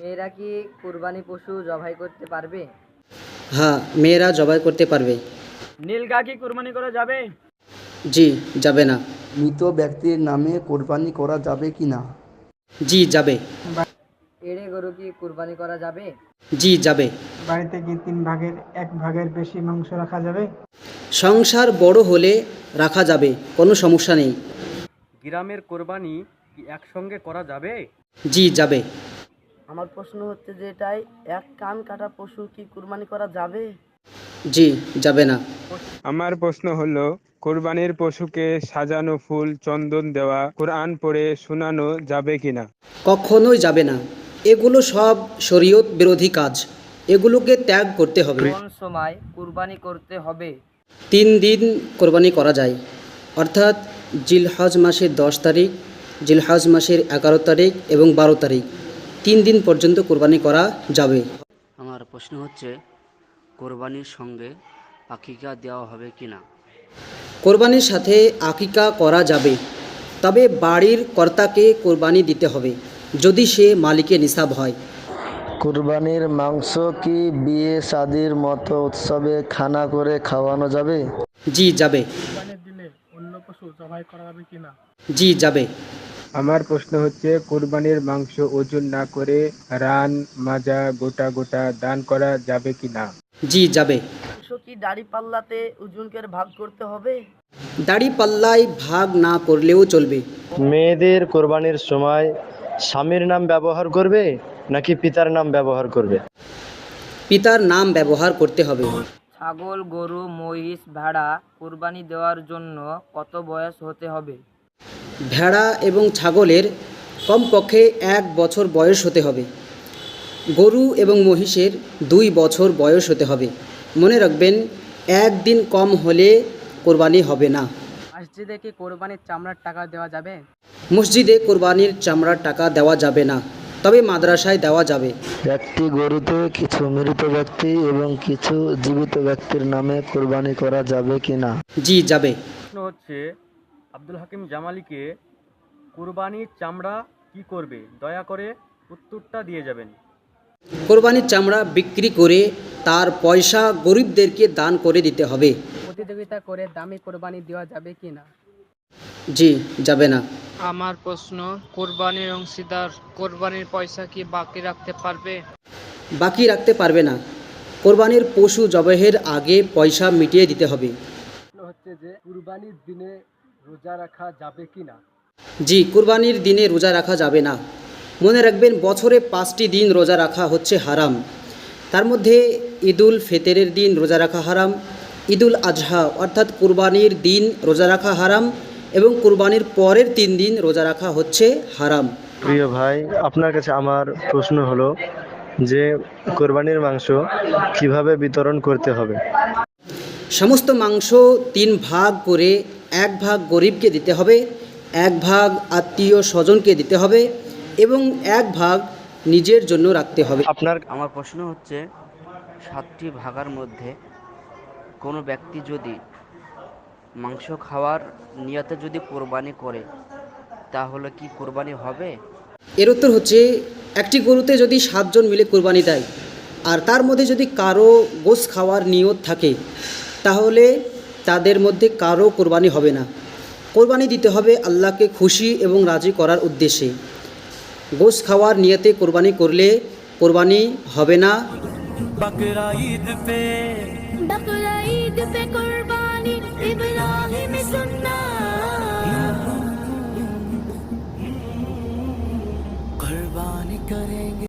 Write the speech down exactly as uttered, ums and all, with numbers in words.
মেয়েরা কি কুরবানি পশু জবাই করতে পারবে? হ্যাঁ, মেয়েরা জবাই করতে পারবে। নীলগা কি কুরবানি করা যাবে? জি, যাবে না। মৃত ব্যক্তির নামে কোরবানি করা যাবে কি না? জি, যাবে। এড়ে গরু কি কুরবানি করা যাবে? জি, যাবে। বাড়িতে কি তিন ভাগের এক ভাগের বেশি মাংস রাখা যাবে? সংসার বড় হলে রাখা যাবে, কোনো সমস্যা নেই। গ্রামের কোরবানি কি একসঙ্গে করা যাবে? জি, যাবে। আমার প্রশ্ন হচ্ছে যে এটাই এক কান কাটা পশু কি কুরবানি করা যাবে? জি, যাবে না। আমার প্রশ্ন হলো, কোরবানির পশুকে সাজানো ফুল চন্দন দেওয়া কোরআন পড়ে শোনানো যাবে কিনা? কখনোই যাবে না। এগুলো সব শরীয়ত বিরোধী কাজ, এগুলোকে ত্যাগ করতে হবে। কোন সময় কুরবানি করতে হবে? তিন দিন কোরবানি করা যায়, অর্থাৎ জিলহজ মাসের দশ তারিখ, জিলহজ মাসের এগারো তারিখ এবং বারো তারিখ, তিন দিন পর্যন্ত কোরবানি করা যাবে। আমার প্রশ্ন হচ্ছে, কোরবানির সঙ্গে আকিকা দেওয়া হবে কি না? কোরবানির সাথে আকিকা করা যাবে, তবে বাড়ির কর্তাকে কোরবানি দিতে হবে যদি সে মালিকে নিসাব হয়। কুরবানির মাংস কি বিয়ে শাদির মতো উৎসবে খানা করে খাওয়ানো যাবে? জি, যাবে। কুরবানির দিনে অন্য পশু জবাই করা যাবে কিনা? জি, যাবে। আমার প্রশ্ন হচ্ছে, কোরবানির মাংস ওজন না করে রান মাজা গোটা গোটা দান করা যাবে কিনা? জি, যাবে। মাংস কি দাড়ি পাল্লাতে ওজনকে ভাগ করতে হবে? দাড়ি পাল্লায় ভাগ না করলেও চলবে। মেয়েদের কোরবানির সময় স্বামীর নাম ব্যবহার করবে নাকি পিতার নাম ব্যবহার করবে? পিতার নাম ব্যবহার করতে হবে। ছাগল, গরু, মহিষ, ভেড়া কুরবানি দেওয়ার জন্য কত বয়স হতে হবে? ভেড়া এবং ছাগলের কমপক্ষে এক বছর বয়স হতে হবে। গরু এবং মহিষের দুই বছর বয়স হতে হবে। মনে রাখবেন, একদিন কম হলে কোরবানি হবে না। মসজিদে কি কোরবানির চামড়ার টাকা দেওয়া যাবে? মসজিদে কোরবানির চামড়ার টাকা দেওয়া যাবে না, তবে মাদ্রাসায় দেওয়া যাবে। একটি গরুতে কিছু মৃত ব্যক্তি এবং কিছু জীবিত ব্যক্তির নামে কোরবানি করা যাবে কিনা? জি, যাবে। প্রশ্ন হচ্ছে, আব্দুল হাকিম জামালিকে কুরবানির চামড়া কি করবে? দয়া করে উত্তরটা দিয়ে যাবেন। কোরবানির চামড়া বিক্রি করে তার পয়সা গরিবদেরকে দান করে দিতে হবে। প্রতিযোগিতা করে দামি কোরবানি দেওয়া যাবে কি না? জি, যাবে না। আমার প্রশ্ন, কোরবানির অংশীদার কোরবানির পয়সা কি বাকি রাখতে পারবে? বাকি রাখতে পারবে না। কোরবানির পশু জবাইয়ের আগে পয়সা মিটিয়ে দিতে হবে। হচ্ছে যে কুরবানির দিনে রোজা রাখা যাবে কিনা? জি, কুরবানির দিনে রোজা রাখা যাবে না। মনে রাখবেন, বছরে পাঁচটি দিন রোজা রাখা হচ্ছে হারাম। তার মধ্যে ঈদুল ফিতরের দিন রোজা রাখা হারাম, ঈদুল আজহা অর্থাৎ কুরবানির দিন রোজা রাখা হারাম এবং কুরবানির পরের তিন দিন রোজা রাখা হচ্ছে হারাম। প্রিয় ভাই, আপনার কাছে আমার প্রশ্ন হলো যে কোরবানির মাংস কিভাবে বিতরণ করতে হবে? সমস্ত মাংস তিন ভাগ করে এক ভাগ গরিবকে দিতে হবে, এক ভাগ আত্মীয় স্বজনকে দিতে হবে এবং এক ভাগ নিজের জন্য রাখতে হবে। আপনার আমার প্রশ্ন হচ্ছে, সাতটি ভাগার মধ্যে কোনো ব্যক্তি যদি মাংস খাওয়ার নিয়তে যদি কোরবানি করে, তাহলে কি কোরবানি হবে? এর উত্তর হচ্ছে, একটি গরুতে যদি সাতজন মিলে কোরবানি দেয় আর তার মধ্যে যদি কারো গোশ খাওয়ার নিয়ত থাকে, তাহলে তাদের মধ্যে কারো কোরবানি হবে না। কোরবানি দিতে হবে আল্লাহকে খুশি এবং রাজি করার উদ্দেশ্যে। গোশ খাওয়ার নিয়তে কোরবানি করলে কোরবানি হবে না। बकरा ईद पे बकरा ईद पे कुर्बानी इब्राहिम सुन्ना कुर्बानी करेंगे।